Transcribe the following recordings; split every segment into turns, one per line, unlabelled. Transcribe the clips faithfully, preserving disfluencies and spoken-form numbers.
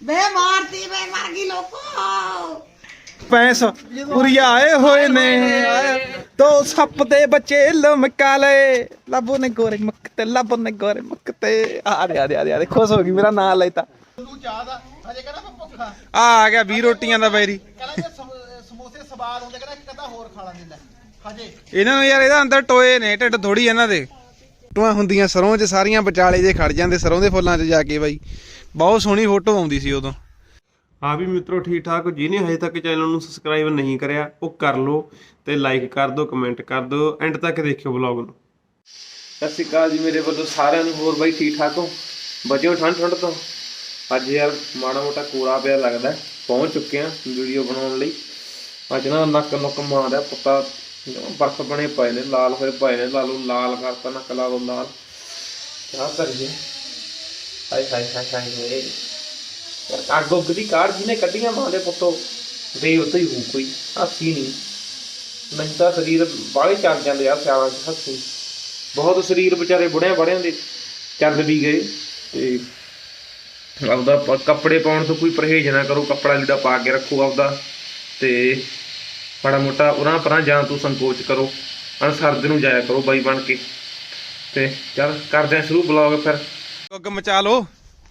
बे मारती बे मर गई लोको
पैस उरिया आए होए ने तो सप दे बच्चे लमका ले लबो ने गोरे मकते लबो ने गोरे मकते अरे अरे अरे अरे खुश हो गई मेरा नाम लेता
ਤੂੰ ਚਾਹਦਾ ਹਜੇ ਕਹਿੰਦਾ ਮੈਂ ਭੁੱਖਾ
आ गया बीस रोटियां दा बैरी
ਕਹਿੰਦਾ ਜੇ ਸਮ- ਸਮੋਸੇ ਸਵਾਦ ਹੁੰਦੇ ਕਹਿੰਦਾ ਇੱਕ ਅੱਧਾ ਹੋਰ ਖਾ ਲੈਂਦੇ ਲੈ ਹਜੇ
ਇਹਨਾਂ ਨੂੰ ਯਾਰ ਇਹਦਾ ਅੰਦਰ ਟੋਏ ਨੇ ਢਿੱਡ ਥੋੜੀ ਇਹਨਾਂ ਦੇ ਟੋਆਂ ਹੁੰਦੀਆਂ ਸਰੋਂ 'ਚ ਸਾਰੀਆਂ ਵਿਚਾਲੇ ਜੇ ਖੜ ਜਾਂਦੇ ਸਰੋਂ ਦੇ ਫੁੱਲਾਂ 'ਚ ਜਾ ਕੇ ਬਾਈ ਬਹੁਤ ਸੋਹਣੀ ਫੋਟੋ ਆਉਂਦੀ ਸੀ ਉਦੋਂ।
ਹਾਂ ਵੀ ਮਿੱਤਰੋ ਠੀਕ ਠਾਕ ਜਿਹਨੇ ਹਜੇ ਤੱਕ ਚੈਨਲ ਨੂੰ ਸਬਸਕ੍ਰਾਈਬ ਨਹੀਂ ਕਰਿਆ ਉਹ ਕਰ ਲਓ ਤੇ ਲਾਈਕ ਕਰ ਦਿਓ ਕਮੈਂਟ ਕਰ ਦਿਓ ਐਂਡ ਤੱਕ ਦੇਖਿਓ ਵਲੌਗ ਨੂੰ। ਸਤਿ ਸ਼੍ਰੀ ਅਕਾਲ ਜੀ ਮੇਰੇ ਵੱਲੋਂ ਸਾਰਿਆਂ ਨੂੰ। ਹੋਰ ਬਾਈ ਠੀਕ ਠਾਕ ਹੋ? ਬਚਿਓ ਠੰਡ ਠੰਡ ਤੋਂ। ਅੱਜ ਯਾਰ ਮਾੜਾ ਮੋਟਾ ਕੋਰਾ ਪਿਆ ਲੱਗਦਾ ਪਹੁੰਚ ਚੁੱਕੇ ਆ ਵੀਡੀਓ ਬਣਾਉਣ ਲਈ। ਅੱਜ ਨਾ ਨੱਕ ਨੁੱਕ ਮਾਰਦਾ ਪੁੱਤਾ ਬਰਫ ਬਣੇ ਪਏ ਨੇ ਲਾਲ ਹੋਏ ਪਏ ਨੇ ਲਾਲੂ ਲਾਲ ਕਰਤਾ ਨੱਕ ਲਾ ਲਓ ਲਾਲ ਕਿਆ ਕਰੀਏ ਹਾਏ ਹਾਏ ਹਾਏ ਹਾਏ ਅੱਗ ਉੱਗ ਦੀ ਕਾਰ ਜਿਹਨੇ ਕੱਢੀਆਂ ਮਾਂ ਦੇ ਪੁੱਤੋ ਦੇ ਉੱਤੇ ਹੀ ਹੋ ਕੋਈ ਹਾਸੀ ਨਹੀਂ ਨਹੀਂ ਤਾਂ ਸਰੀਰ ਬਾਹਲੇ ਚੱਲ ਜਾਂਦੇ ਆ ਸਿਆਲਾਂ 'ਚ ਹੱਸੀ ਬਹੁਤ ਸਰੀਰ ਵਿਚਾਰੇ ਬੁੜਿਆਂ ਬੜਿਆਂ ਦੇ ਚੱਲ ਵੀ ਗਏ। ਤੇ ਆਪਦਾ ਕੱਪੜੇ ਪਾਉਣ ਤੋਂ ਕੋਈ ਪਰਹੇਜ਼ ਨਾ ਕਰੋ, ਕੱਪੜਾ ਲੀੜਾ ਪਾ ਕੇ ਰੱਖੋ ਆਪਦਾ ਤੇ ਮਾੜਾ ਮੋਟਾ ਉਰਾਂ ਪਰਾਂ ਜਾਂ ਤੂੰ ਸੰਕੋਚ ਕਰੋ ਅਨਸਰਦ ਨੂੰ ਜਾਇਆ ਕਰੋ ਬਾਈ ਬਣ ਕੇ। ਤੇ ਚੱਲ ਕਰਦੇ ਆ ਸ਼ੁਰੂ ਬਲੌਗ ਫਿਰ।
ਅੱਗ ਮਚਾ ਲੋ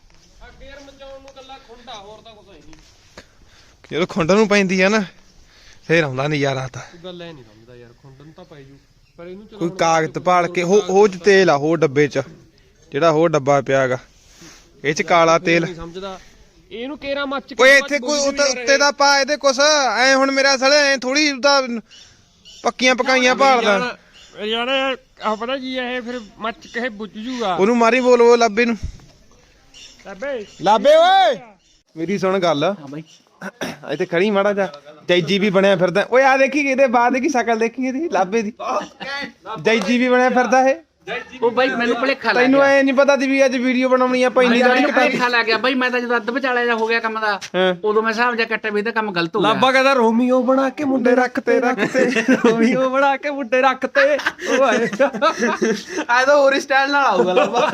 ਜਦੋਂ ਖੁੰਡ ਨੂੰ ਪੈਂਦੀ ਆ ਨਾ ਫੇਰ ਆਉਂਦਾ ਨਜ਼ਾਰਾ ਤਾਂ
ਗੱਲ ਐ ਨਹੀਂ ਸਮਝਦਾ ਯਾਰ ਖੁੰਡਨ ਤਾਂ ਪੈ ਜੂ ਪਰ ਇਹਨੂੰ
ਕੋਈ ਕਾਗਜ਼ ਭਾਲ ਕੇ ਹੋ ਉਹ ਚ ਤੇਲ ਆ ਹੋਰ ਡੱਬੇ 'ਚ ਜਿਹੜਾ ਹੋਰ ਡੱਬਾ ਪਿਆਗਾ ਇਹ 'ਚ ਕਾਲਾ ਤੇਲ
ਨਹੀਂ ਸਮਝਦਾ ਇਹਨੂੰ ਕੇਰਾ ਮੱਚ
ਓਏ ਇੱਥੇ ਕੋਈ ਉੱਤੇ ਉੱਤੇ ਦਾ ਪਾ ਇਹਦੇ ਕੁਛ ਐ ਹੁਣ ਮੇਰਾ ਸਾਲੇ ਐ ਥੋੜੀ ਉਹਦਾ ਪੱਕੀਆਂ ਪਕਾਈਆਂ ਭਾਲਦਾ
ਯਾਰ ਆ ਪਤਾ ਕੀ ਇਹ ਫਿਰ ਮੱਚ ਕੇ ਬੁੱਝ ਜੂਗਾ
ਉਹਨੂੰ ਮਾਰੀ ਬੋਲ ਉਹ ਲਾਬੇ ਨੂੰ
ਲੱਭੇ
ਲਾਬੇ ਓਏ ਮੇਰੀ ਸੁਣ ਗੱਲ ਹਾਂ ਬਾਈ ਇੱਥੇ ਖੜੀ ਮਾੜਾ ਜਾ ਜੈਜੀ ਵੀ ਬਣਿਆ ਫਿਰਦਾ ਓਏ ਆ ਦੇਖੀ ਇਹਦੇ ਬਾਅਦ ਕੀ ਸ਼ਕਲ ਦੇਖੀ ਇਹਦੀ ਲਾਬੇ ਦੀ ਜੈਜੀ ਵੀ ਬਣਿਆ ਫਿਰਦਾ ਇਹ
ਉਹ ਬਾਈ ਮੈਨੂੰ ਭੁਲੇਖਾ ਲੱਗ
ਤੈਨੂੰ
ਗਿਆ
ਐ ਨਹੀਂ ਪਤਾ ਸੀ ਵੀ ਅੱਜ ਵੀਡੀਓ ਬਣਾਉਣੀ ਆ ਪੈਂਦੀ ਦਾ
ਮੈਨੂੰ ਭੁਲੇਖਾ ਲੱਗ ਗਿਆ ਬਾਈ। ਮੈਂ ਤਾਂ ਜਦੋਂ ਅੱਧ ਵਿਚਾਲੇ ਜਾ ਹੋ ਗਿਆ ਕੰਮ ਦਾ ਉਦੋਂ ਮੈਂ ਹਿਸਾਬ ਜਾ ਕੱਟਿਆ ਵੀ ਇਹਦਾ ਕੰਮ ਗਲਤ ਹੋ ਗਿਆ।
ਲਾਬਾ ਕਹਿੰਦਾ ਰੋਮੀਓ ਬਣਾ ਕੇ ਮੁੰਡੇ
ਰੱਖਤੇ ਰੱਖਤੇ
ਰੋਮੀਓ ਬਣਾ ਕੇ ਮੁੰਡੇ ਰੱਖਤੇ ਓਏ
ਆ ਤਾਂ ਹੋਰ ਸਟਾਈਲ ਨਾਲ ਆਊਗਾ ਲਾਬਾ।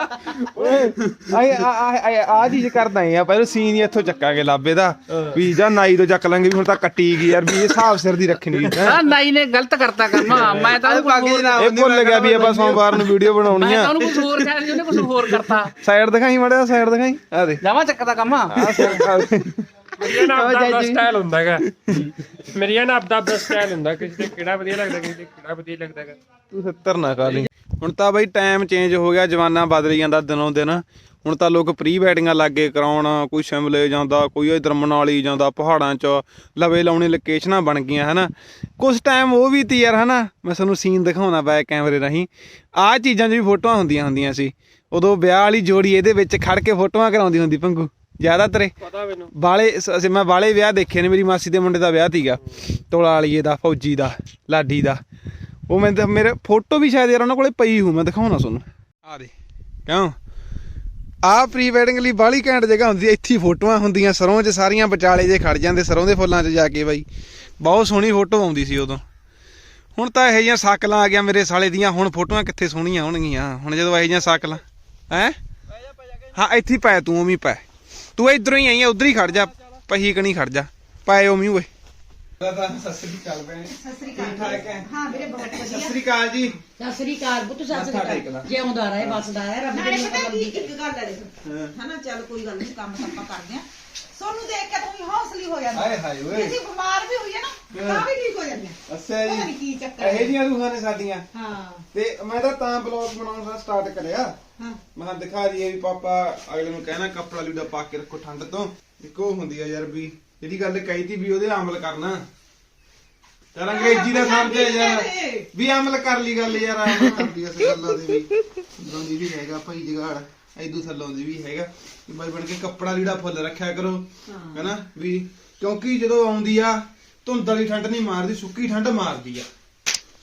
ਓਏ ਆ ਆ ਚੀਜ਼ ਕਰਦਾ ਆ ਪਹਿਲਾਂ ਸੀਨ ਹੀ ਇੱਥੋਂ ਚੱਕਾਂਗੇ ਲਾਬੇ ਦਾ ਵੀ ਜਾਂ ਨਾਈ ਤੋਂ ਚੱਕ ਲਾਂਗੇ ਵੀ ਹੁਣ ਤਾਂ ਕੱਟੀ ਗਈ ਯਾਰ ਵੀ ਇਹ ਹਿਸਾਬ ਸਿਰ ਦੀ ਰੱਖਣੀ
ਹਾਂ ਨਾਈ ਨੇ ਗਲਤ ਕਰਤਾ ਕੰਮ। ਮੈਂ ਤਾਂ
ਇਹ ਭੁੱਲ ਗਿਆ ਵੀ ਆਪਾਂ ਸੋਮਵਾਰ ਨੂੰ ਵੀਡੀਓ ਬਣਾਉਣੀ ਆ।
ਉਹਨੂੰ ਕੁਝ ਹੋਰ ਕਹਿ ਉਹਨੇ ਕੁਝ ਹੋਰ ਕਰਤਾ।
ਸਾਈਡ ਦਿਖਾਈ ਮੜਿਆ ਸਾਈਡ ਦਿਖਾਈ ਆ ਦੇ
ਜਾਵਾ ਚੱਕਦਾ ਕੰਮ।
ਮੇਰੀ ਨਾ ਆਪਦਾ ਸਟਾਈਲ ਹੁੰਦਾ ਹੈਗਾ ਮੇਰੀ ਨਾ ਆਪਦਾ ਆਪਦਾ ਸਟਾਈਲ ਹੁੰਦਾ ਕਿਸੇ ਤੇ ਕਿਹੜਾ ਵਧੀਆ ਲੱਗਦਾ ਕਿਸੇ ਤੇ ਕਿਹੜਾ ਵਧੀਆ ਲੱਗਦਾ ਹੈਗਾ।
ਤੂੰ ਸੱਤਰ ਨਾ ਖਾ ਲਈ। ਹੁਣ ਤਾਂ ਬਾਈ ਟਾਈਮ ਚੇਂਜ ਹੋ ਗਿਆ ਜਮਾਨਾ ਬਦਲ ਜਾਂਦਾ ਦਿਨੋਂ ਦਿਨ। ਹੁਣ ਤਾਂ ਲੋਕ ਪ੍ਰੀ ਵੈਡਿੰਗਾਂ ਲੱਗੇ ਕਰਾਉਣ ਕੋਈ ਸ਼ਿਮਲੇ ਜਾਂਦਾ ਕੋਈ ਇੱਧਰ ਮਨਾਲੀ ਜਾਂਦਾ ਪਹਾੜਾਂ 'ਚ ਲਵੇ ਲਾਉਣੇ ਲੋਕੇਸ਼ਨਾਂ ਬਣ ਗਈਆਂ ਹੈ ਨਾ। ਕੁਛ ਟਾਈਮ ਉਹ ਵੀ ਤੀ ਯਾਰ ਹੈ ਨਾ ਮੈਂ ਤੁਹਾਨੂੰ ਸੀਨ ਦਿਖਾਉਣਾ ਬੈਕ ਕੈਮਰੇ ਰਾਹੀਂ ਆਹ ਚੀਜ਼ਾਂ 'ਚ ਵੀ ਫੋਟੋਆਂ ਹੁੰਦੀਆਂ ਹੁੰਦੀਆਂ ਸੀ ਉਦੋਂ ਵਿਆਹ ਵਾਲੀ ਜੋੜੀ ਇਹਦੇ ਵਿੱਚ ਖੜ ਕੇ ਫੋਟੋਆਂ ਕਰਾਉਂਦੀ ਹੁੰਦੀ ਭੰਗੂ ਜ਼ਿਆਦਾਤਰ
ਪਤਾ ਮੈਨੂੰ
ਬਾਲੇ ਅਸੀਂ ਮੈਂ ਬਾਲੇ ਵਿਆਹ ਦੇਖੇ ਨੇ। ਮੇਰੀ ਮਾਸੀ ਦੇ ਮੁੰਡੇ ਦਾ ਵਿਆਹ ਸੀਗਾ ਤੋਲਾ ਵਾਲੀਏ ਦਾ ਫੌਜੀ ਦਾ ਲਾਡੀ ਦਾ। ਉਹ ਮੈਂ ਤਾਂ ਮੇਰੇ ਫੋਟੋ ਵੀ ਸ਼ਾਇਦ ਯਾਰ ਉਹਨਾਂ ਕੋਲੇ ਪਈ ਹੂੰ ਮੈਂ ਦਿਖਾਉਣਾ ਤੁਹਾਨੂੰ ਆ ਦੇ ਕਿਉਂ ਆਹ ਪ੍ਰੀ ਵੈਡਿੰਗ ਲਈ ਬਾਹਲੀ ਘੈਂਟ ਜਗ੍ਹਾ ਹੁੰਦੀ ਇੱਥੇ ਫੋਟੋਆਂ ਹੁੰਦੀਆਂ ਸਰੋਂ 'ਚ ਸਾਰੀਆਂ ਵਿਚਾਲੇ ਜੇ ਖੜ ਜਾਂਦੇ ਸਰੋਂ ਦੇ ਫੁੱਲਾਂ 'ਚ ਜਾ ਕੇ ਬਾਈ ਬਹੁਤ ਸੋਹਣੀ ਫੋਟੋ ਆਉਂਦੀ ਸੀ ਉਦੋਂ। ਹੁਣ ਤਾਂ ਇਹੋ ਜਿਹੀਆਂ ਸਾਕਲਾਂ ਆ ਗਿਆ ਮੇਰੇ ਸਾਲੇ ਦੀਆਂ ਹੁਣ ਫੋਟੋਆਂ ਕਿੱਥੇ ਸੋਹਣੀਆਂ ਹੋਣਗੀਆਂ ਹੁਣ ਜਦੋਂ ਇਹੋ ਜਿਹੀਆਂ ਸਾਕਲਾਂ ਹੈਂ ਹਾਂ ਇੱਥੇ ਪੈ ਤੂੰ ਉਵੇਂ ਪੈ ਤੂੰ ਇੱਧਰੋਂ ਹੀ ਆਈ ਆ ਉੱਧਰ ਹੀ ਖੜ ਜਾ ਪਹੀ ਕਣੀ ਖੜ ਜਾ ਪਾਏ ਉਵੇਂ ਓਏ। ਸਤਿ ਸ੍ਰੀ ਅਕਾਲ ਭੈਣੇ।
ਸਤਿ ਸ੍ਰੀ ਅਕਾਲ। ਹਾਂ ਵੀਰੇ ਬਹੁਤ ਵਧੀਆ।
ਸਤਿ ਸ੍ਰੀ ਅਕਾਲ ਜੀ।
ਸਤਿ ਸ੍ਰੀ ਅਕਾਲ ਪੁੱਤ ਸਤਿ ਸ੍ਰੀ ਅਕਾਲ। ਜਿਉਂਦਾ ਰਹੇ ਬਸਦਾ ਰਹੇ ਰੱਬ ਦੇ ਮਤਲਬ ਦੀ ਇੱਕ ਗੱਲ ਹੈ ਦੇਖੋ ਹਨਾ ਚੱਲ ਕੋਈ ਗੱਲ ਨਹੀਂ ਕੰਮ ਆਪਾਂ ਕਰਦੇ ਆ ਸੋਨੂੰ ਦੇਖ ਕੇ ਤੂੰ ਹੌਸਲੀ ਹੋ ਜਾਂਦਾ
ਹਾਏ ਹਾਏ ਓਏ
ਅਸੀਂ ਬਿਮਾਰ ਵੀ ਹੋਈਏ ਨਾ ਤਾਂ ਵੀ ਠੀਕ ਹੋ ਜਾਂਦੇ ਆ।
ਅੱਛਾ
ਪਤਾ ਨੀ
ਜੀ
ਕੀ ਚੱਕਰ
ਇਹੋ ਜਿਹੀਆਂ ਰੂਹਾਂ ਨੇ ਸਾਡੀਆਂ।
ਹਾਂ
ਤੇ ਮੈਂ ਤਾਂ ਤਾਂ ਬਲੌਗ ਬਣਾਉਣ ਦਾ ਸਟਾਰਟ ਕਰਿਆ
ਹਾਂ
ਮੈਂ ਕਿਹਾ ਦਿਖਾ ਦਈਏ ਵੀ ਪਾਪਾ ਅਗਲੇ ਨੂੰ ਕਹਿਣਾ ਕੱਪੜਾ ਲੀੜਾ ਪਾ ਕੇ ਰੱਖੋ ਠੰਡ ਤੋਂ। ਇੱਕ ਉਹ ਹੁੰਦੀ ਆ ਯਾਰ ਵੀ ਜਿਹੜੀ ਗੱਲ ਕਹੀ ਤੀ ਵੀ ਉਹਦੇ ਅਮਲ ਕਰਨਾ ਚੱਲ ਅੰਗਰੇਜ਼ੀ ਦਾ ਸਮਝਿਆ ਯਾਰ ਵੀ ਅਮਲ ਕਰ ਲਈ ਗੱਲ ਯਾਰ ਅਮਲ ਕਰਦੀ ਇਸ ਗੱਲਾਂ ਦੇ ਵੀ ਉਦੋਂ ਦੀ ਵੀ ਹੈਗਾ ਭਾਈ ਜਗਾੜ ਐਦੂ ਥੱਲੋਂ ਦੀ ਵੀ ਹੈਗਾ ਕਿ ਬਾਈ ਬਣ ਕੇ ਕੱਪੜਾ ਲੀੜਾ ਫੁੱਲ ਰੱਖਿਆ ਕਰੋ ਹੈਨਾ ਵੀ ਕਿਉਂਕਿ ਜਦੋਂ ਆਉਂਦੀ ਆ ਧੁੰਦ ਵਾਲੀ ਠੰਡ ਨਹੀਂ ਮਾਰਦੀ ਸੁੱਕੀ ਠੰਡ ਮਾਰਦੀ ਆ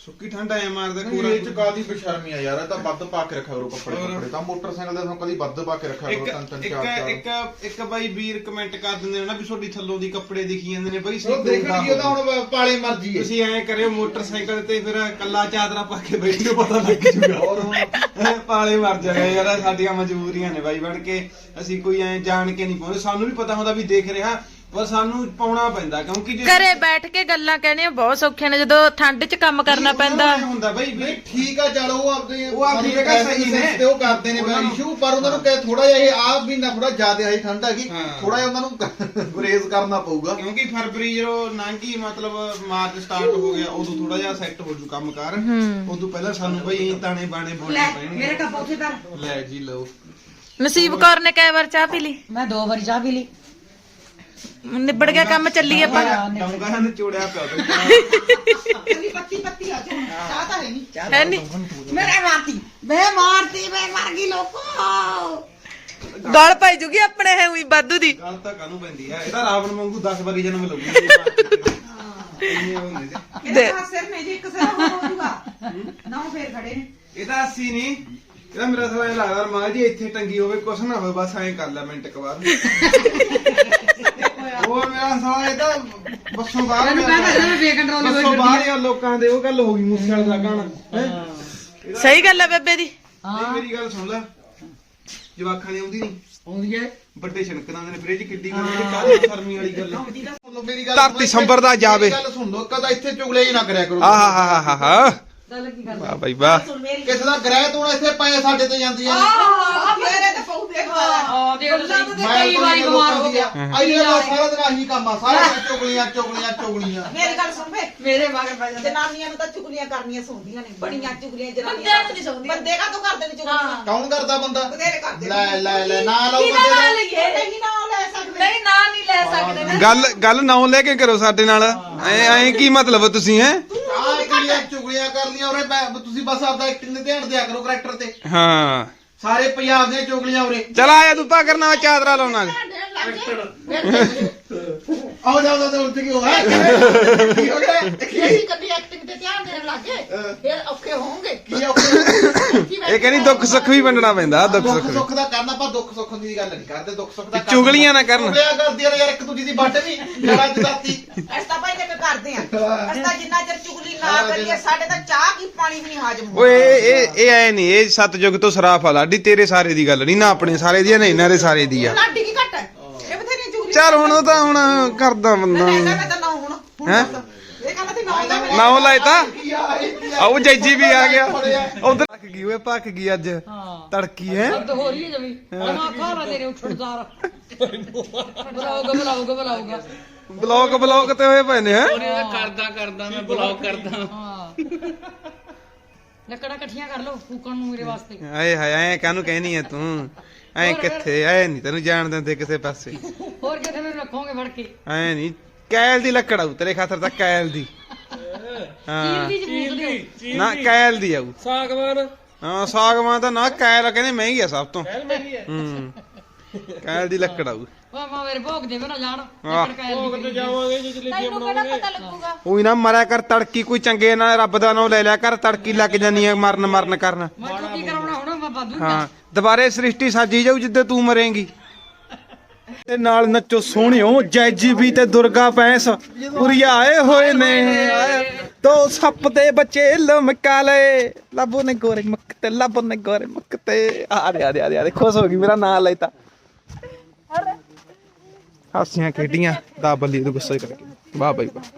ਸੁੱਕੀ ਠੰਡ ਆਇਆ ਮਾਰਦਾ ਕੋਰਾ
ਇਹ ਚ ਕਾਦੀ ਬੇਸ਼ਰਮੀ ਆ ਯਾਰ ਇਹ ਤਾਂ ਵੱਧ ਪਾ ਕੇ ਰੱਖਿਆ ਕਰੋ ਕੱਪੜੇ ਕੱਪੜੇ ਤਾਂ ਮੋਟਰਸਾਈਕਲ ਦੇ ਤੁਹਾਨੂੰ ਕਦੀ ਵੱਧ ਪਾ ਕੇ ਰੱਖਿਆ ਕਰੋ
ਇੱਕ
ਤਿੰਨ ਤਿੰਨ
ਇੱਕ
ਚਾਰ ਚਾਰ
ਇੱਕ ਇੱਕ ਬਾਈ ਵੀਰ ਕਮੈਂਟ ਕਰ ਦਿੰਦੇ ਨੇ ਨਾ ਵੀ ਤੁਹਾਡੀ ਥੱਲੋਂ ਦੀ ਕੱਪੜੇ ਦਿਖੀ ਜਾਂਦੇ ਨੇ ਬਾਈ
ਉਹ ਦੇਖਣ ਕੀ ਉਹਦਾ ਹੁਣ ਪਾਲੇ ਮਰਜੀ ਹੈ
ਤੁਸੀਂ ਐਂ ਕਰਿਓ ਮੋਟਰਸਾਈਕਲ ਤੇ ਫਿਰ ਕੱਲਾ ਚਾਦਰਾ ਪਾ ਕੇ ਬੈਠਿਓ ਪਤਾ ਲੱਗ ਜੂਗਾ
ਔਰ ਹੁਣ
ਪਾਲੇ ਮਰ ਜਾਗਾ ਯਾਰ ਸਾਡੀਆਂ ਮਜਬੂਰੀਆਂ ਨੇ ਬਾਈ ਬਣ ਕੇ ਅਸੀਂ ਕੋਈ ਐਂ ਜਾਣ ਕੇ ਨਹੀਂ ਪਾਉਂਦੇ ਸਾਨੂੰ ਵੀ ਪਤਾ ਹੁੰਦਾ ਵੀ ਦੇਖ ਰਿਹਾ ਪਰ ਸਾਨੂੰ ਪਾਉਣਾ ਪੈਂਦਾ ਕਿਉਂਕਿ ਜੇ
ਘਰੇ ਬੈਠ ਕੇ ਗੱਲਾਂ ਕਹਿਣੀਆਂ ਬਹੁਤ ਸੌਖੀਆਂ ਨੇ ਜਦੋਂ ਠੰਡ 'ਚ ਕੰਮ ਕਰਨਾ ਪੈਂਦਾ
ਐਂ ਹੁੰਦਾ ਬਾਈ ਵੀ
ਨਹੀਂ ਠੀਕ ਆ ਚਲੋ ਉਹ ਆਪਦੇ
ਉਹ ਆਪਦੀ ਜਗ੍ਹਾ ਸਹੀ ਨੇ।
ਤੇ ਉਹ ਕਰਦੇ ਨੇ
ਉਹਨਾਂ ਨੂੰ-
ਇਸ਼ੂ ਪਰ ਉਹਨਾਂ ਨੂੰ ਕਹੇ ਥੋੜਾ ਜਿਹਾ ਇਹ ਆਪ ਵੀ ਨਾ ਥੋੜਾ ਜ਼ਿਆਦਾ ਆਈ ਠੰਡ ਹੈਗੀ
ਹਾਂ।
ਥੋੜਾ ਜਿਹਾ ਉਹਨਾਂ ਨੂੰ ਗੁਰੇਜ਼ ਕਰਨਾ ਪਊਗਾ
ਕਿਉਂਕਿ ਫਰਵਰੀ ਜਦੋਂ ਲੰਘੀ ਮਤਲਬ ਮਾਰਚ ਸਟਾਰਟ ਹੋ ਗਿਆ ਉਦੋਂ ਥੋੜਾ ਜਿਹਾ ਸੈੱਟ ਹੋ ਜੂ ਕੰਮ ਕਾਰ ਉਦੋਂ ਪਹਿਲਾਂ ਸਾਨੂੰ ਬਈ ਤਾਣੇ ਬਾਣੇ
ਲੈ
ਬੋਲਣੇ ਪੈਣਗੇ
ਮੇਰੇ ਕੱਪ ਉੱਥੇ ਧਰ
ਲੈ ਜੀ ਲਓ
ਨਸੀਬ ਕੌਰ ਨੇ ਕਈ ਵਾਰ ਚਾਹ ਪੀ ਲਈ
ਮੈਂ ਦੋ ਵਾਰੀ ਚਾਹ ਪੀ ਲਈ
ਨਿਬੜ ਗਿਆ ਕੰਮ ਚੱਲੀ ਆਪਾਂ
ਡੌਂਗਾ ਹਨ ਚੋੜਿਆ ਪਿਆ ਤੇ
ਕੱਲੀ ਪੱਤੀ ਪੱਤੀ ਆ ਜਾ ਚਾਹ ਤਾਂ ਹੈ ਨਹੀਂ
ਹੈ ਨਹੀਂ
ਮੇਰੇ ਮਾਰਤੀ ਮੈਂ ਮਾਰਤੀ ਮੈਂ ਮਰ ਗਈ ਲੋਕੋ
ਗਲ ਪਾਈ ਜੂਗੀ ਆਪਣੇ ਹੈ ਉਹੀ ਵਾਧੂ ਦੀ
ਗੱਲ ਤਾਂ ਕਾਹਨੂੰ ਪੈਂਦੀ ਹੈ ਇਹਦਾ ਰਾਵਣ ਵਾਂਗੂ ਦਸ ਵਾਰੀ ਜਨਮ ਲਊਗੀ ਇੰਨੇ ਹੁੰਦੇ ਜੇ।
ਇਹਦਾ ਸਿਰ ਨੇ ਜੀ ਇੱਕ ਸਿਰ ਹੋ ਜਾਊਗਾ ਨਾ ਫੇਰ ਖੜੇ ਨੇ
ਇਹਦਾ ਅੱਸੀ ਨਹੀਂ ਇਹਦਾ ਮੇਰਾ ਸਾਲਾ ਇਹ ਲੱਗਦਾ ਰਮਾਲ ਜੀ ਇੱਥੇ ਟੰਗੀ ਹੋਵੇ ਕੁਛ ਨਾ ਹੋਵੇ ਬਸ ਐਂ ਕਰ ਲੈ ਮਿੰਟ ਕ ਬਾਅਦ ਉਹ ਮੇਰਾ ਸਾਲਾ ਇਹ ਤਾਂ ਬੱਸੋਂ ਬਾਹਰ ਗਿਆ ਬੱਸੋਂ ਬਾਹਰ ਆ ਲੋਕਾਂ ਦੇ ਉਹ ਗੱਲ ਹੋ ਗਈ ਮੂਸੇ ਵਾਲੇ ਦਾ ਗਾਣਾ ਹੈਂ?
ਸਹੀ ਗੱਲ ਹੈ ਬੇਬੇ ਦੀ
ਇਹ ਮੇਰੀ ਗੱਲ ਸੁਣ ਲੈ ਜਵਾਖਾਂ ਦੀ ਆਉਂਦੀ ਨਹੀਂ
ਆਉਂਦੀ ਹੈ
ਵੱਡੇ ਛਣਕ ਦਾਂਦੇ ਨੇ ਫ੍ਰਿਜ ਕਿੱਡੀ ਗੱਲ ਇਹ ਕਾਹਦੀ ਸ਼ਰਮੀ ਵਾਲੀ ਗੱਲ ਆ?
ਮੇਰੀ ਗੱਲ
ਧਰਤੀ ਸੰਭਰ ਦਾ ਜਾਵੇ।
ਮੇਰੀ ਗੱਲ ਸੁਣ ਲਓ ਕਦਾ ਇੱਥੇ ਚੁਗਲੇ ਹੀ ਨਾ ਕਰਿਆ ਕਰੋ
ਆਹਾ ਹਾ ਹਾ ਹਾ
ਗੱਲ ਕੀ ਕਰਦਾ
ਵਾਹ ਬਾਈ ਵਾਹ
ਸੁਣ ਮੇਰੀ
ਕਿਸੇ ਦਾ ਗ੍ਰਹਿ ਤੋਂ ਇੱਥੇ ਪਏ ਸਾਡੇ ਤੇ ਜਾਂਦੀਆਂ ਨੇ
ਆਹ ਮੇਰੇ ਤੇ ਪਉ ਦੇਖਦਾ ਆ ਦੇਖ ਲੈ
ਕਈ ਵਾਰੀ ਬਿਮਾਰ ਹੋ ਗਿਆ ਆਈਡੀਆ ਦਾ ਸਾਰਾ ਦਿਨ ਆਹੀ ਕੰਮ ਆ ਸਾਰਾ ਦਿਨ ਚੁਗਲੀਆਂ ਚੁਗਲੀਆਂ ਚੁਗਲੀਆਂ
ਮੇਰੀ ਗੱਲ ਸੁਣ ਵੇ ਮੇਰੇ ਮਗਰ ਪੈ ਜਾਂਦੇ ਜਨਾਨੀਆਂ ਨੂੰ ਤਾਂ ਚੁਗਲੀਆਂ ਕਰਨੀਆਂ ਸੌਂਦੀਆਂ ਨੇ ਬੜੀਆਂ ਚੁਗਲੀਆਂ ਜਨਾਨੀਆਂ ਬੰਦਿਆਂ ਨੂੰ ਨਹੀਂ ਸੌਂਦੀਆਂ ਬੰਦੇ ਕਾ ਤੋਂ ਕਰਦੇ ਨੇ ਚੁਗਲੀਆਂ
ਕੌਣ ਕਰਦਾ ਬੰਦਾ
ਬਥੇਰੇ ਕਰਦੇ ਨੇ।
ਲੈ ਲੈ ਲੈ ਨਾ ਲਓ ਬੰਦੇ ਦਾ
ਨਹੀਂ ਨਾ ਲੈ ਸਕਦੇ
ਨਹੀਂ ਨਾ ਨਹੀਂ ਲੈ ਸਕਦੇ ਨਾ
ਗੱਲ ਗੱਲ ਨਾਉ ਲੈ ਕੇ ਕਰੋ ਸਾਡੇ ਨਾਲ ਐ ਐ ਕੀ ਮਤਲਬ ਤੁਸੀਂ ਹੈ
ਆਹ ਕਿਹੜੀਆਂ ਚੁਗਲੀਆਂ ਕਰ ਲੀਆਂ ਉਰੇ ਬੈ- ਤੁਸੀਂ ਬਸ ਆਪਦਾ ਐਕਟਿੰਗ ਤੇ ਧਿਆਨ ਦਿਆ ਕਰੋ ਕਰੈਕਟਰ ਤੇ
ਹਾਂ
ਸਾਰੇ ਪੰਜਾਬ ਦੀਆਂ ਚੁਗਲੀਆਂ ਉਰੇ
ਚਲ ਆਇਆ ਤੂੰ ਪਾ ਕਰਨਾ ਚਾਦਰਾ ਲਾਉਣਾ
ਆਓ ਜਾਓ ਜਾਓ ਉੱਠ ਕੇ ਹੋ ਹੈ ਕੀ ਹੋ ਗਿਆ
ਅਸੀਂ ਕਦੀ ਐਕਟਿੰਗ ਤੇ ਧਿਆਨ ਦੇਣ ਲੱਗੇ ਫਿਰ ਔਖੇ ਹੋਣਗੇ
ਕੀ ਔਖੇ
ਇਹ ਕਹਿੰਦੀ ਦੁੱਖ ਸੁੱਖ ਵੀ ਵੰਡਣਾ ਪੈਂਦਾ ਦੁੱਖ ਸੁੱਖ
ਦੁੱਖ
ਵੀ।
ਸੁੱਖ ਦਾ ਕਰਨਾ ਆਪਾਂ ਦੁੱਖ ਸੁੱਖ ਦੀ ਗੱਲ ਨਹੀਂ ਕਰਦੇ ਦੁੱਖ ਸੁੱਖ ਦਾ
ਚੁਗਲੀਆਂ ਨਾ ਕਰਨ।
ਚੁਗਲੀਆਂ ਕਰਦੀਆਂ ਨੇ ਯਾਰ ਇੱਕ ਦੂਜੀ ਦੀ ਵੱਟ ਨਹੀਂ ਜੜਾ ਜਦਾਤੀ
ਅਸੀਂ ਤਾਂ ਭਾਈ ਨੇ ਕਰਦੇ ਆ ਅਸੀਂ ਤਾਂ ਜਿੰਨਾ ਚਿਰ ਚੁਗਲੀ ਨਾ ਕਰੀਏ ਸਾਡੇ ਤਾਂ ਚਾਹ ਕੀ ਪਾਣੀ ਵੀ ਨਹੀਂ ਹਾਜ਼ਮ
ਓਏ ਇਹ ਇਹ ਇਹ ਐ ਨਹੀਂ ਇਹ ਸਤਜੁਗ ਤੋਂ ਸਰਾਫ ਆ ਲਾਡੀ ਤੇਰੇ ਸਾਰੇ ਦੀ ਗੱਲ ਨਹੀਂ ਨਾ ਆਪਣੇ ਸਾਰੇ ਦੀ ਆ, ਨਾ ਇਹਨਾਂ ਦੇ ਸਾਰੇ ਦੀ ਆ
ਲਾਡੀ ਕੀ ਘੱਟ ਹੈ ਇਹ ਬਥੇਰੀਆਂ ਚੁਗਲੀਆਂ
ਚੱਲ ਹੁਣ ਉਹ ਤਾਂ ਹੁਣ ਕਰਦਾ ਬੰਦਾ
ਮੈਂ ਕਹਿੰਦਾ ਮੈਂ ਤਾਂ ਨਾ ਹੁਣ ਹੁਣ
ਹੈਂ?
ਦੱਸ। ਇਹ ਕਹਿੰਦਾ ਸੀ ਨਾ ਲੈ
ਨਾ ਉਹ ਲਾਇਤਾ
ਕੀ ਆ ਇਹ ਕੀ ਆ
ਆਉ ਜੈਜੀ ਵੀ ਆ ਗਿਆ ਉਧਰ ਪੱਕ ਗਈ ਓਏ ਪੱਕ ਗਈ ਅੱਜ ਤੜਕੀ ਹੈ
ਹੋ ਰਹੀ ਹੈ ਜਮੀ ਆਹ ਖਾ ਲਾ ਤੇਰੇ ਉੱਠਣਦਾਰ ਬੁਲਾਊਗਾ ਬੁਲਾਊਗਾ ਬੁਲਾਊਗਾ
ਬਲੌਕ ਬਲੌਕ ਤੇ ਹੋਏ ਪਏ ਨੇ ਹੈ
ਕਰਦਾ ਕਰਦਾ ਮੈਂ ਬਲੌਗ ਕਰਦਾ
ਹਾਂ ਲੱਕੜਾਂ ਇਕੱਠੀਆਂ ਕਰ ਲਓ ਫੂਕਣ ਨੂੰ ਮੇਰੇ ਵਾਸਤੇ
ਆਏ ਹਾਏ ਐ ਕਾਹਨੂੰ ਕਹਿਨੀ ਐ ਤੂੰ ਐ ਕਿੱਥੇ ਐ ਨਹੀਂ ਤੈਨੂੰ ਜਾਣ ਦਿੰਦੇ ਕਿਸੇ ਪਾਸੇ
ਹੋਰ ਕਿਤੇ ਨੂੰ ਰੱਖੋਗੇ ਫੜ ਕੇ
ਐ ਨਹੀਂ ਕੈਲ ਦੀ ਲੱਕੜ ਆਊ ਤੇਰੇ ਖਾਤਰ ਤਾਂ ਕੈਲ ਦੀ ਹਾਂ
ਚੀਲ ਦੀ ਫੂਕ ਦਿਓ
ਨਾ ਕੈਲ ਦੀ ਆਊ
ਸਾਗਵਾਨ
ਹਾਂ ਸਾਗਵਾਨ ਤਾਂ ਨਾ ਕੈਲ ਕਹਿੰਦੇ ਮਹਿੰਗੀ ਆ ਸਭ ਤੋਂ ਹੂੰ ਕੈਲ ਦੀ ਲੱਕੜ ਆਊ
ਵਾ ਮਾ ਮੇਰੇ ਭੋਗ ਦੇਵੇ ਨਾ ਜਾਣ
ਆਹ।
ਲੱਕੜ ਕਾਇਲ
ਭੋਗ ਤੇ ਜਾਵਾਂਗੇ ਜੇ ਜਲੇਬੀਆਂ
ਤੈਨੂੰ ਕਿਹੜਾ
ਬਣਾਵਾਂਗੇ
ਪਤਾ ਲੱਗੂਗਾ
ਉਹੀ ਨਾ ਮਰਿਆ ਕਰ ਤੜਕੀ ਕੋਈ ਚੰਗੇ ਨਾਲ ਰੱਬ ਦਾ ਨਾਮ ਲੈ ਲਿਆ ਕਰ ਤੜਕੀ ਲੱਗ ਜਾਨੀ ਆ ਮਰਨ ਮਰਨ ਕਰਨ
ਮੈਂ ਤੂੰ ਕੀ ਕਰਾਉਣਾ ਹੁਣ ਮੈਂ ਬਾਦੂ
ਹਾਂ ਦੁਬਾਰੇ ਸ੍ਰਿਸ਼ਟੀ ਸਾਜੀ ਜਾਊ ਜਿੱਦੇ ਤੂੰ ਮਰੇਂਗੀ ਤੇ ਨਾਲ ਨੱਚੋ ਸੋਹਣਿਓ ਜੈਜੀ ਵੀ ਤੇ ਦੁਰਗਾ ਪੈਂਸ ਉਰੀਆ ਆਏ ਹੋਏ ਨੇ ਦੋ ਸੱਪ ਦੇ ਬੱਚੇ ਲਮਕਾ ਲਏ ਲੱਭੋ ਨੇ ਗੋਰੇ ਮੱਕ ਤੇ ਲੱਭੋ ਨੇ ਗੋਰੇ ਮੱਕ ਤੇ ਆ ਦੇ ਆ ਦੇ ਆ ਦੇ ਆ ਦੇ ਖੁਸ਼ ਹੋ ਗਈ ਮੇਰਾ ਨਾਂ ਲੈਤਾ ਹਾਸੀਆਂ ਖੇਡੀਆਂ ਦਾ ਬੱਲੀ ਨੂੰ ਗੁੱਸਾ ਕਰਕੇ ਵਾਹ ਬਾਈ ਵਾਹ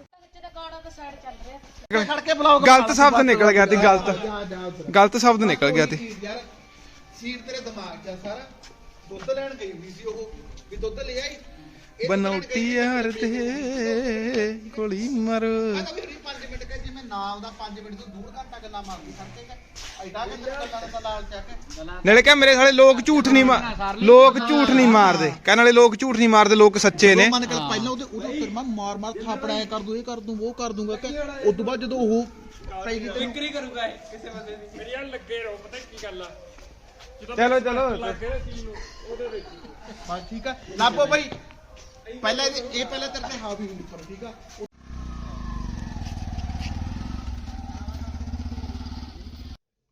ਖੜ ਕੇ ਬੁਲਾਓ
ਗਲਤ ਸ਼ਬਦ ਨਿਕਲ ਗਿਆ ਤੇ ਗਲਤ ਗਲਤ ਸ਼ਬਦ ਨਿਕਲ ਗਿਆ ਤੇ
ਯਾਰ ਸੀਟ ਤੇਰੇ ਦਿਮਾਗ 'ਚ ਆ ਸਾਰਾ ਦੁੱਧ ਲੈਣ ਗਈ ਹੁੰਦੀ ਸੀ ਉਹ ਵੀ ਦੁੱਧ ਲੈ ਆਈ ਇਹ ਦੁੱਧ ਲੈਣ
ਬਨੌਟੀ
ਗਈ
ਯਾਰ
ਹੁੰਦੀ ਸੀ।
ਤੇ ਗੋਲੀ ਮਾਰ
ਮੈਂ ਤਾਂ ਵੀ ਪੰਜ ਮਿੰਟ ਕਹੇ ਜਿਵੇਂ ਨਾਮ ਦਾ ਪੰਜ ਮਿੰਟ ਤੋਂ ਡੂਢ ਘੰਟਾ ਗੱਲਾਂ ਮਾਰਦੀ ਸੜਕੇ ਤੇ ਐਡਾ ਕਿ ਗੱਲਾਂ ਦਾ ਲਾਲ ਚੱਕ
ਨਾਲੇ ਕਹ ਮੇਰੇ ਸਾਲੇ ਲੋਕ ਝੂਠ ਨਹੀਂ ਮਾਰ ਲੋਕ ਝੂਠ ਨਹੀਂ ਮਾਰਦੇ ਕਹਿਣ ਵਾਲੇ ਲੋਕ ਝੂਠ ਨਹੀਂ ਮਾਰਦੇ ਲੋਕ ਸੱਚੇ ਨੇ
ਮਨ ਕਰ ਪਹਿਲਾਂ ਉਹਦੇ ਉਹਦਾ ਫਿਰ ਮੈਂ ਮਾਰ ਮਾਰ ਥਾਪੜਾ ਐ ਕਰ ਦੂੰ ਇਹ ਕਰ ਦੂੰ ਉਹ ਕਰ ਦੂੰਗਾ ਕਿ ਉਸ ਤੋਂ ਬਾਅਦ ਜਦੋਂ ਉਹ ਪੈ ਗਈ ਤੇ
ਵਿਕਰੀ ਕਰੂਗਾ ਇਹ ਕਿਸੇ ਬੰਦੇ ਦੀ ਮੇਰੀ ਯਾਰ ਲੱਗੇ ਰਹੋ ਪਤਾ ਕੀ ਗੱਲ ਆ
ਚਲੋ ਚਲੋ
ਲੱਗੇ ਨਾ ਚੀਜ਼ ਨੂੰ ਉਹਦੇ ਵਿੱਚ
ਹਾਂ ਠੀਕ ਆ ਲਾਪੋ ਬਾਈ ਪਹਿਲਾਂ ਇਹ ਇਹ ਪਹਿਲਾਂ ਤੇਰੇ ਤੇ ਹਾਵੀ ਹੁੰਦੀ ਪਰ ਠੀਕ ਆ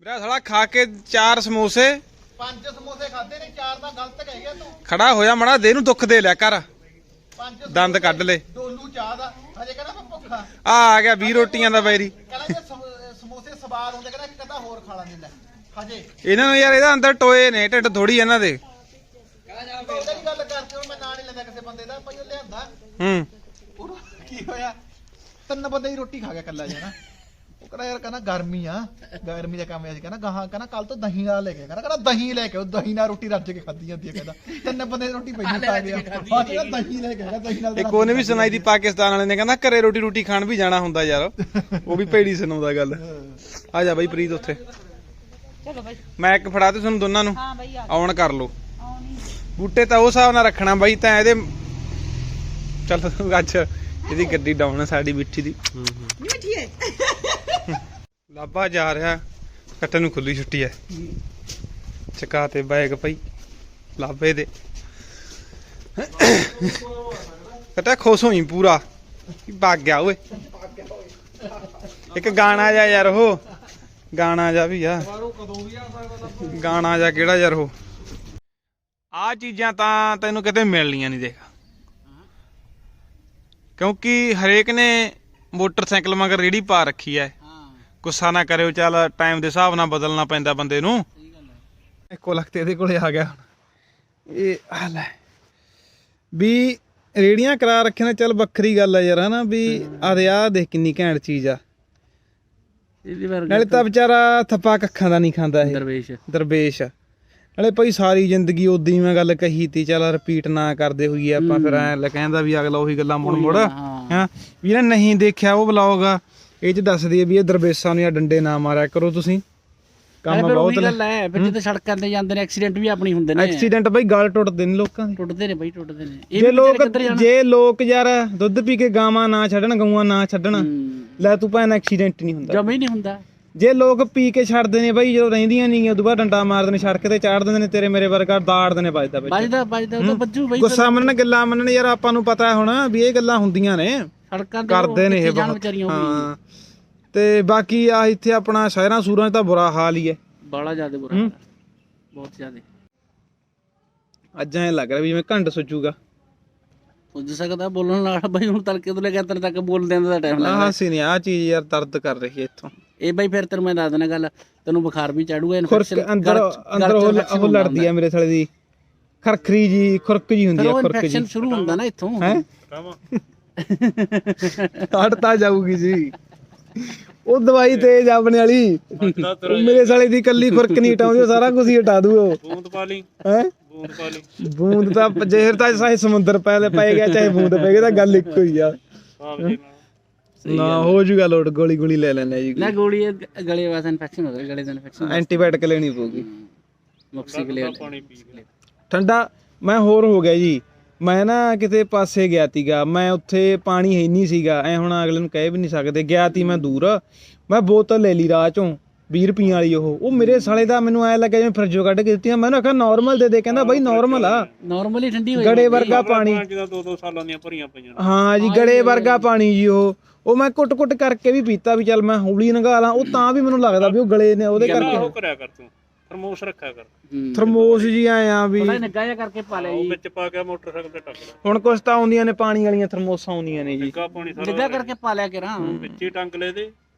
ਮੇਰਾ ਸਾਲਾ ਖਾ ਕੇ ਚਾਰ ਸਮੋਸੇ
ਪੰਜ ਸਮੋਸੇ ਖਾਦੇ ਨੇ, ਚਾਰ ਤਾਂ ਗਲਤ ਕਹਿ ਗਿਆ ਤੂੰ।
ਖੜਾ ਹੋਇਆ ਮੜਾ ਦੇ ਨੂੰ ਦੁੱਖ ਦੇ ਲਿਆ ਕਰ,
ਪੰਜ
ਦੰਦ ਕੱਢ ਲੈ।
ਡੋਲੂ ਚਾਹ ਦਾ ਹਜੇ ਕਹਿੰਦਾ ਮੈਂ ਭੁੱਖਾ।
ਆ ਆ ਗਿਆ ਵੀਹ ਰੋਟੀਆਂ ਦਾ ਬੈਰੀ।
ਕਹਿੰਦਾ ਜੇ ਸਮ- ਸਮੋਸੇ ਸਵਾਦ ਹੁੰਦੇ ਕਹਿੰਦਾ ਇੱਕ ਅੱਧਾ ਹੋਰ ਖਾ ਲਾਂਗੇ ਲੈ ਹਜੇ।
ਇਹਨਾਂ ਨੂੰ ਯਾਰ ਇਹਦਾ ਅੰਦਰ ਟੋਏ ਨੇ, ਢਿੱਡ ਥੋੜੀ ਇਹਨਾਂ ਦੇ।
ਉਹਦਾ ਹੀ ਗੱਲ ਕਰਦੇ ਹੁਣ ਮੈਂ ਨਾਂ ਨਹੀਂ ਲੈਂਦਾ ਕਿਸੇ ਬੰਦੇ ਦਾ, ਭਾਈ ਉਹ ਲਿਆਂਦਾ
ਹੂੰ
ਉਹਨੂੰ ਕੀ ਹੋਇਆ, ਤਿੰਨ ਬੰਦੇ ਦੀ ਰੋਟੀ ਖਾ ਗਿਆ ਕੱਲਾ ਜਣਾ। ਉਹ ਕਹਿੰਦਾ ਯਾਰ ਕਹਿੰਦਾ ਗਰਮੀ ਆ, ਗਰਮੀ ਦਾ ਕੰਮ ਐ ਸੀ। ਕਹਿੰਦਾ ਗਾਹਾਂ ਕਹਿੰਦਾ ਕੱਲ ਤੋਂ ਦਹੀਂ ਨਾਲ ਲੈ ਕੇ, ਕਹਿੰਦਾ ਕਹਿੰਦਾ ਦਹੀਂ ਲੈ ਕੇ ਉਹ ਦਹੀਂ ਨਾਲ ਰੋਟੀ ਰੱਜ ਕੇ ਖਾਧੀ ਜਾਂਦੀ ਹੈ। ਕਹਿੰਦਾ ਤਿੰਨ ਬੰਦੇ ਦੀ ਰੋਟੀ ਪਹਿਲਾਂ ਖਾ ਗਿਆ, ਹਾਂ ਕਹਿੰਦਾ ਦਹੀਂ ਲੈ ਕੇ ਆਇਆ, ਦਹੀਂ ਨਾਲ।
ਇੱਕ ਉਹਨੇ ਵੀ ਸੁਣਾਈ ਦੀ ਪਾਕਿਸਤਾਨ ਵਾਲੇ ਨੇ, ਕਹਿੰਦਾ ਘਰੇ ਰੋਟੀ ਰੋਟੀ ਖਾਣ ਵੀ ਜਾਣਾ ਹੁੰਦਾ ਯਾਰ। ਉਹ ਵੀ ਭੇੜੀ ਸੁਣਾਉਂਦਾ ਗੱਲ। ਆ ਜਾ ਬਾਈ ਪ੍ਰੀਤ ਉੱਥੇ।
ਚਲੋ ਬਾਈ
ਮੈਂ ਇੱਕ ਫੜਾ ਤੇ ਤੁਹਾਨੂੰ ਦੋਨਾਂ ਨੂੰ
ਹਾਂ ਬਾਈ ਆ
ਆਉਣ ਕਰ ਲੋ।
ਆਉਣੀ
ਬੂਟੇ ਤਾਂ ਉਹ ਹਿਸਾਬ ਨਾਲ ਰੱਖਣਾ ਬਾਈ, ਤਾਂ ਇਹਦੇ ਚੱਲ ਅੱਜ ਇਹਦੀ ਗੱਡੀ ਡਾਉਣ ਸਾਡੀ ਮਿੱਠੀ ਦੀ
ਮਿੱਠੀ ਹੈ।
ਲਾਭਾ ਜਾ ਰਿਹਾ, ਕੱਟਣ ਨੂੰ ਖੁੱਲੀ ਛੁੱਟੀ ਹੈ। ਚਕਾ ਤੇ ਬੈਗ ਪਈ ਲਾਭੇ ਦੇ। ਕਟਾ ਖੁਸ਼ ਹੋਈ ਪੂਰਾ, ਭੱਗ ਗਿਆ ਓਏ। ਇੱਕ ਗਾਣਾ ਜਾ ਯਾਰ, ਉਹ ਗਾਣਾ ਜਾ ਵੀ ਆ, ਗਾਣਾ ਜਾ ਕਿਹੜਾ ਯਾਰ ਉਹ। ਆਹ ਚੀਜ਼ਾਂ ਤਾਂ ਤੈਨੂੰ ਕਿਤੇ ਮਿਲਣੀਆਂ ਨਹੀਂ ਦੇਖ, ਕਿਉਂਕਿ ਹਰੇਕ ਨੇ ਮੋਟਰਸਾਈਕਲ ਮਗਰ ਰੇੜੀ ਪਾ ਰੱਖੀ ਐ। ਗੁੱਸਾ ਨਾ ਕਰਿਓ, ਚੱਲ ਟਾਈਮ ਦੇ ਹਿਸਾਬ ਨਾਲ ਬਦਲਣਾ ਪੈਂਦਾ ਬੰਦੇ ਨੂੰ। ਇੱਕੋ ਲੱਖ ਤੇ ਇਹਦੇ ਕੋਲੇ ਆ ਗਿਆ ਇਹ। ਆ ਲੈ ਵੀ ਰੇੜੀਆਂ ਕਰਾ ਰੱਖੇ ਨੇ, ਚੱਲ ਵੱਖਰੀ ਗੱਲ ਆ ਯਾਰ ਹਨਾ ਵੀ। ਆ ਦੇ ਆ ਦੇਖ ਕਿੰਨੀ ਘੈਂਟ ਚੀਜ਼ ਆ। ਨਾਲੇ ਤਾਂ ਵਿਚਾਰਾ ਥੱਪਾ ਕੱਖਾਂ ਦਾ ਨਹੀਂ ਖਾਂਦਾ ਇਹ
ਦਰਵੇਸ਼
ਦਰਵੇਸ਼। ਨਾਲੇ ਭਾਈ ਸਾਰੀ ਜ਼ਿੰਦਗੀ ਉਦਾਂ ਹੀ ਮੈਂ ਗੱਲ ਕਹੀ ਤੀ, ਚੱਲ ਰਿਪੀਟ ਨਾ ਕਰਦੇ ਹੋਈਏ ਆਪਾਂ। ਫਿਰ ਐ ਲੈ ਕਹਿੰਦਾ ਵੀ ਅਗਲਾ ਉਹੀ ਗੱਲਾਂ ਮੁੜ ਮੁੜ ਹਾਂ ਵੀ ਨਾ ਨਹੀਂ ਦੇਖਿਆ ਉਹ ਵਲੌਗ ਆ, ਇਹ ਚ ਦੱਸਦੀ ਹੈ ਵੀ ਇਹ ਦਰਵੇਸ਼ਾਂ ਨੂੰ ਜਾਂ ਡੰਡੇ ਨਾ ਮਾਰਿਆ ਕਰੋ ਤੁਸੀਂ। ਕੰਮ ਬਹੁਤ
ਗੱਲ ਹੈ ਫਿਰ ਜਦੋਂ ਸੜਕਾਂ ਤੇ ਜਾਂਦੇ ਨੇ ਐਕਸੀਡੈਂਟ ਵੀ ਆਪਣੀ ਹੁੰਦੇ ਨੇ।
ਐਕਸੀਡੈਂਟ ਬਾਈ ਗਲ ਟੁੱਟਦੇ ਨੇ ਲੋਕਾਂ ਦੇ,
ਟੁੱਟਦੇ ਨੇ ਬਾਈ ਟੁੱਟਦੇ ਨੇ।
ਜੇ ਲੋਕ ਜੇ ਲੋਕ ਯਾਰ ਦੁੱਧ ਪੀ ਕੇ ਗਾਵਾਂ ਨਾ ਛੱਡਣ, ਗਊਆਂ ਨਾ ਛੱਡਣ, ਲੈ ਤੂੰ ਭੈਣ ਐਕਸੀਡੈਂਟ ਨਹੀਂ ਹੁੰਦਾ,
ਜਮਾ ਹੀ ਨਹੀਂ ਹੁੰਦਾ।
ਜੇ ਲੋਕ ਪੀ ਕੇ ਛੱਡਦੇ ਨੇ ਬਾਈ, ਜਦੋਂ ਰਹਿੰਦੀਆਂ ਨਹੀਂ ਉਦੋਂ ਬਾਅਦ ਡੰਡਾ ਮਾਰਦੇ ਨੇ, ਸੜਕ ਤੇ ਚਾੜ ਦਿੰਦੇ ਨੇ, ਤੇਰੇ ਮੇਰੇ ਵਰਗਾ ਦਾੜਦੇ ਨੇ, ਵੱਜਦਾ
ਵੱਜਦਾ ਵੱਜਦਾ ਉਹ ਤਾਂ ਬੱਜੂ ਬਾਈ।
ਗੁੱਸਾ ਮੰਨਣ ਗੱਲਾਂ ਮੰਨਣ ਯਾਰ, ਆਪਾਂ ਨੂੰ ਪਤਾ ਹੁਣ ਵੀ ਇਹ ਗੱਲਾਂ ਹੁੰਦੀਆਂ ਨੇ,
ਸੜਕਾਂ ਤੇ
ਕਰਦੇ ਨੇ ਇਹ ਬਹੁਤ। ਹਾਂ ਤੇ ਬਾਕੀ ਆ ਇੱਥੇ ਆਪਣਾ ਸ਼ਹਿਰਾਂ ਸੂਰਾਂ 'ਚ ਤਾਂ ਬੁਰਾ ਹਾਲ ਹੀ ਹੈ,
ਬੜਾ ਜ਼ਿਆਦਾ ਬੁਰਾ ਹਾਲ ਹੈ, ਬਹੁਤ ਜ਼ਿਆਦਾ।
ਅੱਜ ਐਂ ਲੱਗ ਰਿਹਾ ਵੀ ਜਿਵੇਂ ਘੰਟ ਸੁੱਜੂਗਾ।
ਪੁੱਜ ਸਕਦਾ ਬੋਲਣ ਨਾਲ ਬਾਈ, ਹੁਣ ਤੜਕੇ ਤੋਂ ਲੈ ਕੇ ਤਰ ਤੱਕ ਬੋਲਦੇ ਆਂ ਦਾ ਟਾਈਮ ਲੱਗਦਾ।
ਆਹ ਸੀ ਨਹੀਂ, ਆਹ ਚੀਜ਼ ਯਾਰ ਦਰਦ ਕਰ ਰਹੀ ਹੈ ਇੱਥੋਂ।
ਇਹ ਬਾਈ ਫਿਰ ਤੈਨੂੰ ਮੈਂ ਦੱਸ ਦੇਣਾ ਗੱਲ, ਤੈਨੂੰ ਬੁਖਾਰ ਵੀ ਚੜੂਗਾ,
ਖੁਰਕ ਅੰਦਰ ਅੰਦਰ ਉਹ ਲੜਦੀ ਆ ਮੇਰੇ ਸਾਲੇ ਦੀ, ਖਰਖਰੀ ਜੀ ਖੁਰਕ ਜੀ ਹੁੰਦੀ ਆ, ਖੁਰਕ ਜੀ।
ਇਨਫੈਕਸ਼ਨ ਸ਼ੁਰੂ ਹੁੰਦਾ ਨਾ ਇੱਥੋਂ
ਹੈ। ਹਟਤਾ ਜਾਊਗੀ ਜੀ ਉਹ ਦਵਾਈ ਤੇਜ ਆਪਣੇ ਵਾਲੀ। ਮੇਰੇ ਸਾਲੇ ਦੀ ਕੱਲੀ ਖੁਰਕ ਨਹੀਂ ਹਟਾਉਂਦੀ, ਉਹ ਸਾਰਾ ਕੁਝ ਹੀ ਹਟਾ ਦੂ। ਉਹ
ਬੂੰਦ ਪਾ ਲਈ,
ਹੈ
ਬੂੰਦ ਪਾ ਲਈ।
ਬੂੰਦ ਤਾਂ ਜ਼ਹਿਰ ਤਾਂ ਚਾਹੇ ਸਮੁੰਦਰ ਪੈ ਪੈ ਗਿਆ ਚਾਹੇ ਬੂੰਦ ਪੈ ਗਿਆ, ਤਾਂ ਗੱਲ ਇੱਕੋ ਹੀ ਆ। ਨਾ ਹੋ ਜੂਗਾ ਲੋਟ, ਗੋਲੀ ਗੋਲੀ ਲੈ ਲੈਣੇ ਜੀ।
ਨਾ ਗੋਲੀ ਗਲੇ ਵਾਸਤੇ ਇਨਫੈਕਸ਼ਨ ਹੋ ਗਿਆ, ਗਲੇ ਦਾ ਇਨਫੈਕਸ਼ਨ,
ਐਂਟੀਬਾਇਓਟਿਕ ਲੈਣੀ ਪਊਗੀ।
ਮੌਕਸੀਕਲਿਨ
ਪਾਣੀ ਪੀ ਲੈ
ਠੰਡਾ। ਮੈਂ ਹੋਰ ਹੋ ਗਿਆ ਜੀ, ਮੈਂ ਨਾ ਕਿਤੇ ਪਾਸੇ ਗਿਆ ਤੀਗਾ, ਮੈਂ ਉੱਥੇ ਪਾਣੀ ਹੈ ਨਹੀਂ ਸੀਗਾ, ਐ ਹੁਣ ਅਗਲੇ ਨੂੰ ਕਹਿ ਵੀ ਨਹੀਂ ਸਕਦੇ। ਗਿਆ ਤੀ ਮੈਂ ਦੂਰ, ਮੈਂ ਬੋਤਲ ਲੈ ਲਈ ਰਾਹ ਚੋਂ ਵੀਹ ਰੁਪਈਆਂ ਵਾਲੀ। ਉਹ ਉਹ ਮੇਰੇ ਸਾਲੇ ਦਾ ਮੈਨੂੰ ਐ ਲੱਗਿਆ ਜਿਵੇਂ ਫਰਿੱਜੋਂ ਕੱਢ ਕੇ ਦਿੱਤੀਆਂ। ਮੈਨੂੰ ਆਖਿਆ ਨਾਰਮਲ ਦੇ ਦੇ, ਕਹਿੰਦਾ ਬਾਈ ਨਾਰਮਲ ਆ,
ਨਾਰਮਲੀ ਠੰਡੀ ਹੋਈ
ਗੜੇ ਵਰਗਾ ਪਾਣੀ।
ਦੋ ਦੋ ਸਾਲਾਂ ਦੀਆਂ ਭਰੀਆਂ ਪਈਆਂ।
ਹਾਂ ਜੀ ਗੜੇ ਵਰਗਾ ਪਾਣੀ ਜੀ। ਉਹ ਉਹ ਮੈਂ ਕੁੱਟ ਕੁੱਟ ਕਰਕੇ ਵੀ ਪੀਤਾ ਵੀ ਚੱਲ ਮੈਂ ਹੌਲੀ ਨੰਗਾ ਲਾਂ, ਉਹ ਤਾਂ ਵੀ ਮੈਨੂੰ ਲੱਗਦਾ ਵੀ ਉਹ ਗਲੇ ਨੇ ਉਹਦੇ ਕਰਕੇ।
ਉਹ ਕਰਿਆ ਕਰ ਤੂੰ, ਥਰਮੋਸ ਰੱਖਿਆ ਕਰ।
ਥਰਮੋਸ ਜੀ ਆਏ ਆ ਵੀ
ਨਿੱਘਾ ਜਿਹਾ ਕਰਕੇ ਪਾ ਲਿਆ ਜੀ,
ਵਿੱਚ ਪਾ ਕੇ ਮੋਟਰਸਾਈਕਲ ਤੇ ਟੱਕ ਲੈ।
ਹੁਣ ਕੁਛ ਤਾਂ ਆਉਂਦੀਆਂ ਨੇ ਪਾਣੀ ਵਾਲੀਆਂ ਥਰਮੋਸਾਂ ਆਉਂਦੀਆਂ ਨੇ ਜੀ,
ਨਿੱਘਾ ਪਾਣੀ ਸਾਰਾ
ਨਿੱਘਾ ਕਰਕੇ ਪਾ ਲਿਆ ਕਰਾਂ
ਵਿੱਚ ਹੀ ਟੰਗ ਲੈ ਦੇ।